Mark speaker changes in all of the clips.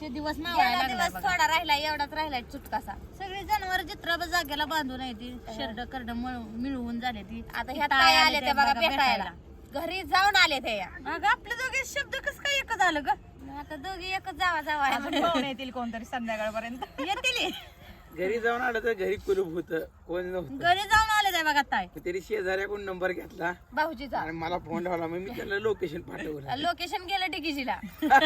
Speaker 1: शेवटचे दिवस मावायला
Speaker 2: दिवस थोडा राहिला एवढाच राहिलाय चुटकासा
Speaker 1: सगळी जनावर चित्र जागेला बांधून आहे ती शर्ट करड मिळवून झाले ती
Speaker 2: आता ह्या ताई आले ते बघा भेटायला घरी जाऊन आले ते
Speaker 1: अगं आपले दोघे शब्द कस काय एकच आलं ग
Speaker 2: आता दोघी एकच जावा
Speaker 1: येतील कोणतरी संध्याकाळपर्यंत येतील
Speaker 3: घरी जाऊन आलं तर घरी कुलूप होत कोण नव्हतं
Speaker 1: घरी जाऊन आले ते बघा ताई
Speaker 3: तरी शेजाऱ्याकडून नंबर घेतला
Speaker 2: भाऊजीचा
Speaker 3: आणि मला फोन लावला मग मी त्याला लोकेशन पाठवलं
Speaker 2: लोकेशन गेलं डिगीजीला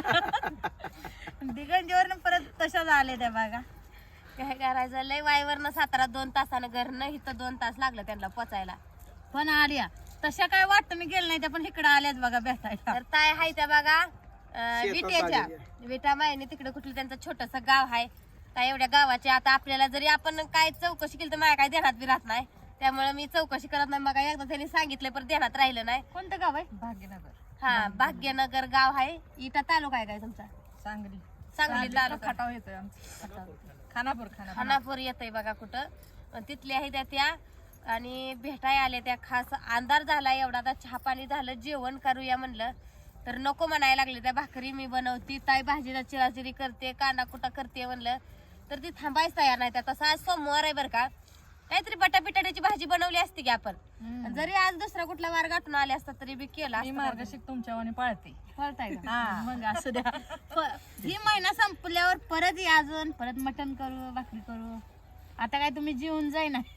Speaker 1: दिगंजीवर परत तशाच आले त्या बघा
Speaker 2: काय करायचं लय वाईवरनं सातारा 2 तासानं घरनं इथं 2 तास लागलं त्यांना पोचायला
Speaker 1: पण आल्या तशा काय वाटतं मी गेले नाही त्या पण इकडे आल्याच बघा भेटायला
Speaker 2: तर ताय हाय त्या बघा विट्याच्या
Speaker 3: आलेल्या.
Speaker 2: विटा मायने तिकडे कुठलं त्यांचं छोटस गाव आहे काय एवढ्या गावाचे आता आपल्याला जरी आपण काय चौकशी केली तर माझ्या काय ध्यानात बी राहत नाही त्यामुळे मी चौकशी करत नाही मग एकदा त्यांनी सांगितलं पण ध्यानात राहिलं नाही
Speaker 1: कोणतं गाव आहे भाग्यनगर
Speaker 2: हा भाग्यनगर गाव आहे इटा तालुका आहे काय तुमचा
Speaker 1: सांगली
Speaker 2: सांगली तालुका
Speaker 1: खटाव येतोय आमचा खानापूर
Speaker 2: खानापूर येतंय बघा कुठं पण तिथल्या आहे त्या आणि भेटाय आले त्या खास अंधार झाला एवढा आता चहा पाणी झालं जेवण करूया म्हणलं तर नको म्हणायला लागले त्या भाकरी मी बनवती ताई भाजीला चिराचिरी करते कांदा कुटा करते म्हणलं तर ती थांबायच तयार नाही त्या तसं आज सोमवार आहे बरं का काहीतरी बटापिटाची भाजी बनवली असती की आपण जरी आज दुसरा कुठला वार गाठून आले असता तरी बी केला
Speaker 1: मार्गशीर्ष तुमच्यावानी पाळते
Speaker 2: फळताय
Speaker 1: मग असू द्या ही महिना संपल्यावर परत या अजून परत मटण करू भाकरी करू आता काय तुम्ही जेवून जाई ना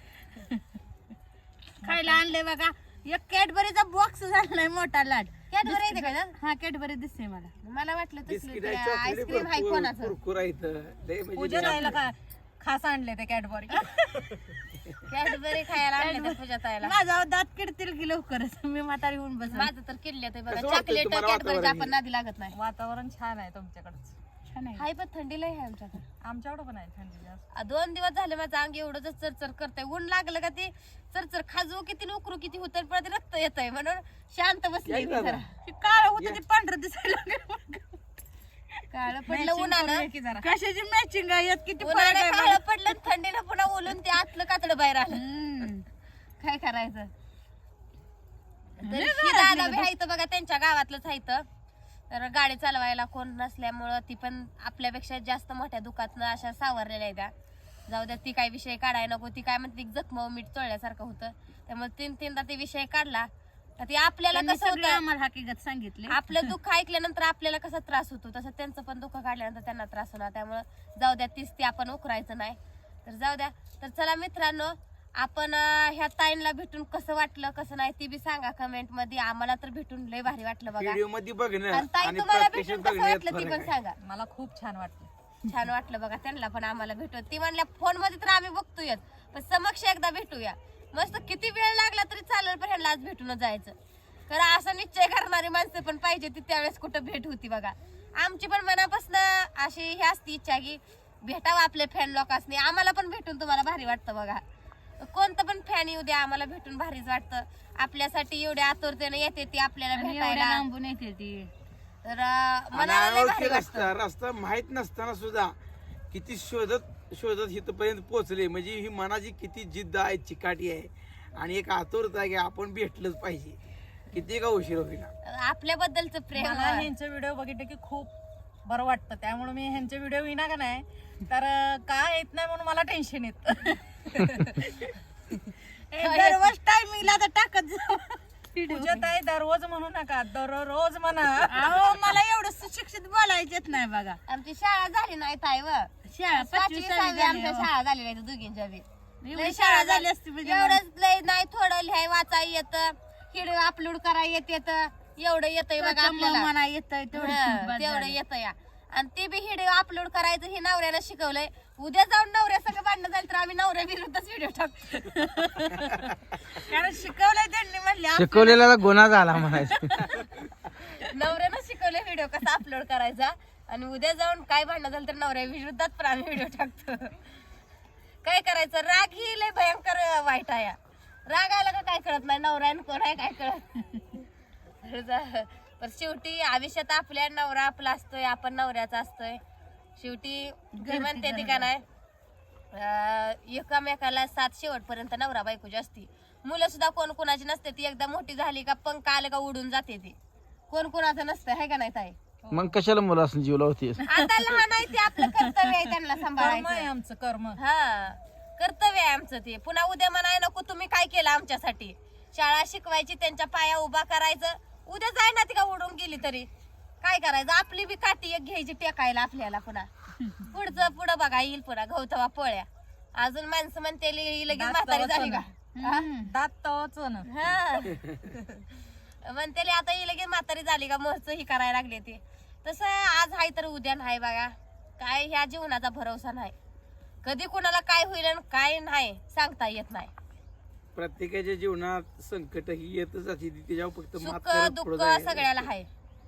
Speaker 1: खायला आणले बघा एक कॅडबरीचा बॉक्स झालाय मोठा लाट
Speaker 2: कॅडबरी येते का
Speaker 1: हा कॅडबरी दिसते मला
Speaker 2: वाटलं
Speaker 3: बिस्किट
Speaker 2: तसलं
Speaker 3: आहे
Speaker 2: आईस्क्रीम आहे
Speaker 3: चॉकलेट
Speaker 2: कोणाचं
Speaker 3: कुरकुरा इथं लय म्हणजे
Speaker 1: पूजा राहिला खास आणले ते कॅडबरी
Speaker 2: कॅडबरी खायला आणले त्या पूजा ताईला
Speaker 1: माझा दात किडतील की लवकरच मी म्हातारी होऊन बस
Speaker 2: माझं तर किल्ले ते बघा
Speaker 3: कसं वाटतं
Speaker 2: चॉकलेट
Speaker 3: तुम्हाला
Speaker 2: कॅडबरीचं
Speaker 3: वातावरण
Speaker 2: आपण नादी लागत नाही
Speaker 1: वातावरण छान आहे तुमच्याकडच छान आहे
Speaker 2: हाय पण थंडी लय आहे आमच्याकडे
Speaker 1: आमच्याकडं पण आहे थंडी जास्त
Speaker 2: 2 दिवस झाले माझं अंग एवढं चरचर करतंय ऊन लागलं का ते चरचर खाजू किती उकरू किती होत परत रक्त येतंय म्हणून शांत बसली मी जरा
Speaker 1: काळ होत ते पांढरं दिसायला लागलं
Speaker 2: काळं पडलं उन्हानं
Speaker 1: कशाची मॅचिंग आहे यात किती
Speaker 2: उन्हानं काळं पडलं आणि थंडीनं पुन्हा ओलून ते आतलं कातडं बाहेर आलं काय करायचं तर ही दादा बी हायत बघा त्यांच्या गावातलंच हायत तर गाडी चालवायला कोण नसल्यामुळं ती पण आपल्यापेक्षा जास्त मोठ्या दुखातनं अशा सावरलेल्या आहेत त्या जाऊ द्या ती काय विषय काढायला नको ती काय म्हणते जखम मीठ चोळल्यासारखं होतं त्यामुळे 3-3दा ते विषय काढला तर ते आपल्याला कसं होतं
Speaker 1: आम्हाला हकीकत सांगितले
Speaker 2: आपलं दुःख ऐकल्यानंतर आपल्याला कसा त्रास होतो तसं त्यांचं पण दुःख काढल्यानंतर त्यांना त्रास होणार त्यामुळं जाऊ द्या तीच ती आपण उकरायचं नाही तर जाऊ द्या तर चला मित्रांनो आपण ह्या ताईंना भेटून कसं वाटलं कसं नाही ती बी सांगा कमेंट मध्ये आम्हाला तर भेटून लय भारी वाटलं बघा
Speaker 3: व्हिडिओ मध्ये बघणं
Speaker 2: आणि ताई
Speaker 3: आणि
Speaker 2: तुम्हाला
Speaker 3: प्रत्यक्ष
Speaker 2: भेटून कसं
Speaker 3: बघण्यात
Speaker 2: वाटलं ती
Speaker 3: फरक
Speaker 2: पण
Speaker 3: आहे.
Speaker 2: सांगा
Speaker 1: मला खूप छान वाटलं
Speaker 2: छान वाटलं बघा त्यांना पण आम्हाला भेटू ती म्हणल्या फोन मध्ये तर आम्ही बघतोय पण समक्ष एकदा भेटूया मस्त किती वेळ लागला तरी चालेल पण ह्यांना आज भेटून जायचं कारण असं निश्चय करणारी माणसं पण पाहिजे ती त्यावेळेस कुठं भेट होती बघा आमची पण मनापासून अशी ही असती इच्छा की भेटावं आपले फॅन लोकांनी आम्हाला पण भेटून तुम्हाला भारी वाटतं बघा कोणतं पण फॅन येऊ द्या आम्हाला भेटून भारीच वाटतं आपल्यासाठी एवढ्या आतुरतेने येते ती आपल्याला भेटायला
Speaker 1: लांबून येते ती
Speaker 2: तर
Speaker 3: आणि
Speaker 2: मनाला लय
Speaker 3: अनोळखी
Speaker 2: भारी वाटतं
Speaker 3: रस्ता माहित नसताना सुद्धा किती शोधत इथपर्यंत पोहोचले म्हणजे ही मनाची किती जिद्द आहे चिकाटी आहे आणि एक आतुरता आहे की आपण भेटलंच पाहिजे किती का उशीर होईल
Speaker 2: आपल्याबद्दलचं प्रेम
Speaker 1: मला ह्यांचे व्हिडिओ बघितले की खूप बरं वाटतं त्यामुळे मी ह्यांचे व्हिडिओ विना का नाही तर काय येत नाही म्हणून मला टेन्शन येत दररोज टायमिंगला तर टाकत पूजा ताई दररोज म्हणू नका दररोज म्हणा अहो मला एवढं सुशिक्षित बोलायचेच नाही बघा
Speaker 2: आमची शाळा झाली नाही ताई व
Speaker 1: शाळा
Speaker 2: 5वी 6वी आमच्या शाळा झाली नाही दोघींच्या बी
Speaker 1: एवढी शाळा झाली असती म्हणजे
Speaker 2: एवढंच लय नाही थोडं लिहाय वाचा येत व्हिडिओ अपलोड करायला येत एवढं येतंय बघा आपल्याला
Speaker 1: मना येतंय
Speaker 2: तेवढं येतं या आणि ते बी व्हिडिओ अपलोड करायचं हे नवऱ्यानं शिकवलंय उद्या जाऊन नवऱ्या सगळं भांडणं झालं तर आम्ही नवऱ्या विरुद्धच व्हिडिओ टाकतो
Speaker 1: कारण शिकवलंय त्यांनी म्हणले
Speaker 3: शिकवलेला गुन्हा झाला म्हणायचं
Speaker 2: नवऱ्यानं शिकवलंय व्हिडिओ कसा अपलोड करायचा आणि उद्या जाऊन काय भांडणं झालं तर नवऱ्या विरुद्धात पण आम्ही व्हिडिओ टाकतो काय करायचं राग ही लय भयंकर वाईट आहे राग आला का काय कळत नाही नवऱ्यानं कोण आहे काय कळत पण शेवटी आयुष्यात आपल्या नवरा आपला असतोय आपण नवऱ्याचा असतोय शेवटी घरी म्हणते ती का नाही एकामेकाला साथ शेवटपर्यंत नवरा बायकोची असती मुलं सुद्धा कोण कोणाची नसते ती एकदा मोठी झाली का पंख आलं का उडून जाते ती कोण कोणाचं नसतं आहे का नाही ताई
Speaker 3: मग कशाला मुलं असं जीव लावते?
Speaker 2: आता लहान आहे ते आपलं कर्तव्य आहे त्यांना
Speaker 1: कर्म आहे
Speaker 2: सांभाळायचं.
Speaker 1: आमचं कर्म.
Speaker 2: हा कर्तव्य आहे आमचं ते. पुन्हा उद्या म्हणाय नको तुम्ही काय केलं आमच्यासाठी. शाळा शिकवायची, त्यांच्या पाया उभा करायचं. उद्या जाय ना ती का उडून गेली तरी काय करायचं. आपली बी काठी एक घ्यायची टेकायला आपल्याला. पुन्हा पुढं बघा येईल पुन्हा गवतवा पोळ्या. अजून माणसं म्हणते लगेच म्हातारी झाली का.
Speaker 1: दात तवाच ना.
Speaker 2: हा म्हणते आता ही लगेच म्हातारी झाली का महच ही करायला लागले ते. तसं आज हाय तर उद्या नाही बघा. काय ह्या जीवनाचा भरोसा नाही. कधी कोणाला काय होईल आणि काय नाही सांगता येत नाही.
Speaker 3: प्रत्येकाच्या जीवनात संकट ही येतच जाते, त्याच्यावर फक्त मात
Speaker 2: सुख
Speaker 3: करत
Speaker 2: दुःख
Speaker 3: पुढं जायचं.
Speaker 2: सगळ्याला आहे.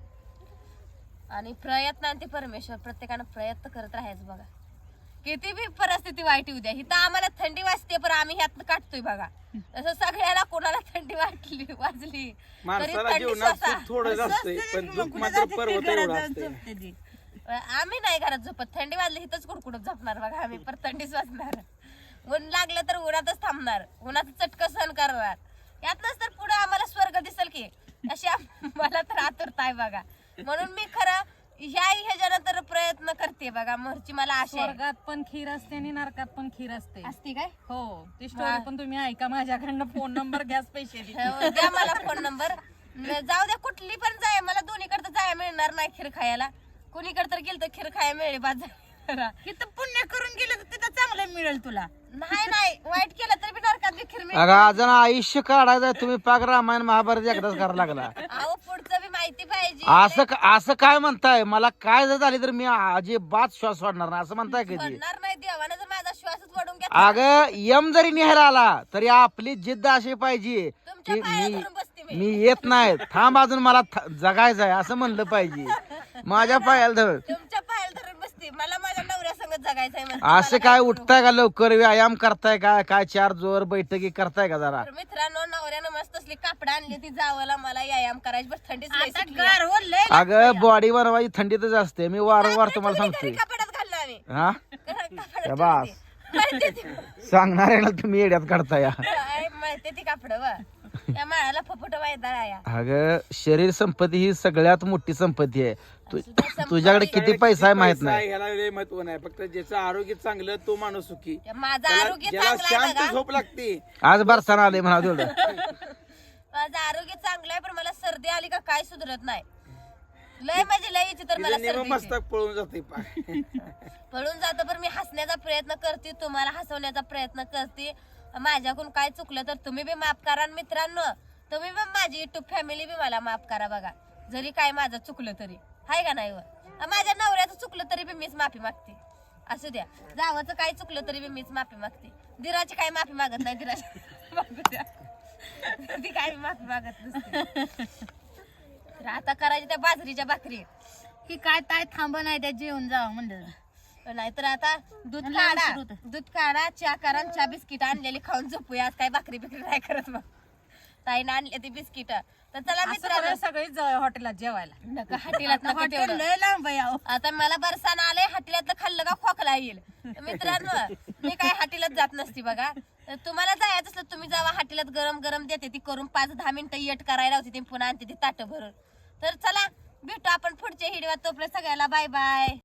Speaker 2: आणि प्रयत्न आणि ते परमेश्वर प्रत्येकानं प्रयत्न करत राहायचं बघा. किती बी परिस्थिती वाईट येऊ द्या. इथं आम्हाला थंडी वाजते पण आम्ही ह्यात काढतोय बघा. तसं सगळ्याला कोणाला थंडी वाजली तरी
Speaker 3: माणसाला
Speaker 2: थंडी
Speaker 3: जीवनात
Speaker 2: स्वतः.
Speaker 3: सुख थोडं असतंय पण दुःख मात्र पर्वत एवढं असतंय.
Speaker 2: आम्ही नाही घरात झोपत. थंडी वाजली इथंच कुडकुडत झोपणार बघा आम्ही. पर थंडीच वाजणार. ऊन लागलं तर उन्हातच थांबणार. उन्हाचं चटकं सहन करणार. यातनच तर पुढे आम्हाला स्वर्ग दिसेल की. अशी मला तर आतुरता आहे बघा. म्हणून मी खरं ह्याच्यानं तर प्रयत्न करते बघा. मोरची मला आशा आहे.
Speaker 1: स्वर्गात पण खीर असते आणि नरकात पण खीर असते.
Speaker 2: असते काय.
Speaker 1: हो ती स्टोरी पण तुम्ही ऐका. माझ्याकडनं फोन नंबर गॅस पैसे दे.
Speaker 2: हो, द्या मला फोन नंबर. जाऊ द्या कुठली पण जाय. मला दोन्हीकडे जाय मिळणार नाही खीर खायला. कुणीकडे तर गेलं तर खीर खायला मिळेल बाजार.
Speaker 1: तिथं पुण्य करून गेलं तर तिथं चांगलं मिळेल तुला.
Speaker 2: नाही वाईट केलं तरी बी नरकात बी खीर मिळेल.
Speaker 3: अगं अजून आयुष्य काढायचं तुम्ही पाक रामायण महाभारत एकदाच करायला लागला.
Speaker 2: अहो पुढचं बी माहिती पाहिजे.
Speaker 3: असं काय म्हणताय? मला काय जर झाली तर मी अजिबात श्वास सोडणार नाही असं म्हणताय कधी?
Speaker 2: पडणार नाही. देवानं जर माझा श्वासच वडून घेतला.
Speaker 3: अगं यम जरी न्यायला आला तरी आपली जिद्द अशी पाहिजे
Speaker 2: तुमच्या
Speaker 3: की
Speaker 2: पाया धरून बसते मी.
Speaker 3: मी येत नाही, थांब अजून मला जगायचं आहे असं म्हणलं पाहिजे. माझ्या पायाला धर.
Speaker 2: तुमच्या पायाला धरून बसते. मला माझ्या नवऱ्या संगत जगायचंय म्हणते.
Speaker 3: असं काय उठताय का लवकर? व्यायाम करताय का? काय चार जोर बैठकी करताय का जरा?
Speaker 2: तर मित्रांनो नवऱ्यानं मस्त असली कापड आणली ती जावाला मला व्यायाम करायची. बरं थंडीच लय
Speaker 1: आता
Speaker 2: सुटली.
Speaker 1: गार हो लय.
Speaker 3: अगं बॉडी बनवायची थंडीतच असते. मी वारंवार तुम्हाला
Speaker 2: तुम्ही
Speaker 3: सांगतोय.
Speaker 2: घरी कपड्यात घाललो आम्ही.
Speaker 3: हा
Speaker 2: कपड्यात
Speaker 3: या बास.
Speaker 2: माहिती ती-
Speaker 3: सांगणार आहे ना तुम्ही येड्यात काढताय.
Speaker 2: काय माहिती ती कापड व या माळाला फपुट वायदा आया.
Speaker 3: अगं शरीर संपत्ती ही सगळ्यात मोठी संपत्ती आहे. तुझ्याकडे किती पैसा आहे माहित नाही.
Speaker 4: ह्याला लय महत्व नाही. फक्त ज्याचं आरोग्य चांगलं तो माणूस सुखी.
Speaker 2: माझं आरोग्य
Speaker 4: ज्याला
Speaker 2: चांगलं आहे
Speaker 4: शांत
Speaker 2: बघा.
Speaker 4: झोप लागते
Speaker 3: आज बरसाना आले म्हणा तेवढं.
Speaker 2: माझं आरोग्य चांगलं आहे पण मला सर्दी आली का काय सुधरत नाही. लय म्हणजे लय तर मला
Speaker 4: तिचं निम
Speaker 2: सर्दी येते.
Speaker 4: मस्तक पळून जाते
Speaker 2: पळून जातं पण मी हसण्याचा प्रयत्न करते. तुम्हाला हसवण्याचा प्रयत्न करते. माझ्याकडून काय चुकलं तर तुम्ही बी माफ करा. आणि मित्रांनो तुम्ही पण माझी युट्यूब फॅमिली बी मला माफ करा बघा. जरी काय माझं चुकलं तरी हाय का नाही व. माझ्या नवऱ्याचं चुकलं तरी बी मीच माफी मागते. असू द्या. जावाचं काय चुकलं तरी बी मीच माफी मागते. दिराची काय माफी मागत नाही. दिराची मागू द्या. ती काय माफी मागत नसते. तर आता करायची त्या बाजरीच्या भाकरी.
Speaker 1: की काय ताय थांब नाही त्या जेवण जावं म्हणलं.
Speaker 2: नाहीतर आता दूध
Speaker 1: लहान
Speaker 2: काढा.
Speaker 1: सुरू होतं.
Speaker 2: दूध काढा चहा करा आणि चहा बिस्किट आणलेली खाऊन झोपूया. आज काय भाकरी बिकरी नाही करत मग. ताईनं आणले ती बिस्किट. तर चला मित्रांनो
Speaker 1: सगळीच हॉटेलात जेवायला.
Speaker 2: नका हाटीलात नका
Speaker 1: हॉटेल
Speaker 2: तेवढं.
Speaker 1: लय लांब आहे अहो.
Speaker 2: आता मला बरसाण आलंय. हाटीलातलं खाल्लं का खोकला येईल. तर मित्रांनो मी काय हाटीलात जात नसती बघा. तर तुम्हाला जायचं असलं तुम्ही जावा. हाटीलात गरम गरम देते ती करून 5-10 मिनिटं येट करायला होती ती पुन्हा आणते ती ताटं भरून. तर चला भेटू आपण पुढच्या हिडव्यात. तोपर्यंत सगळ्याला बाय बाय.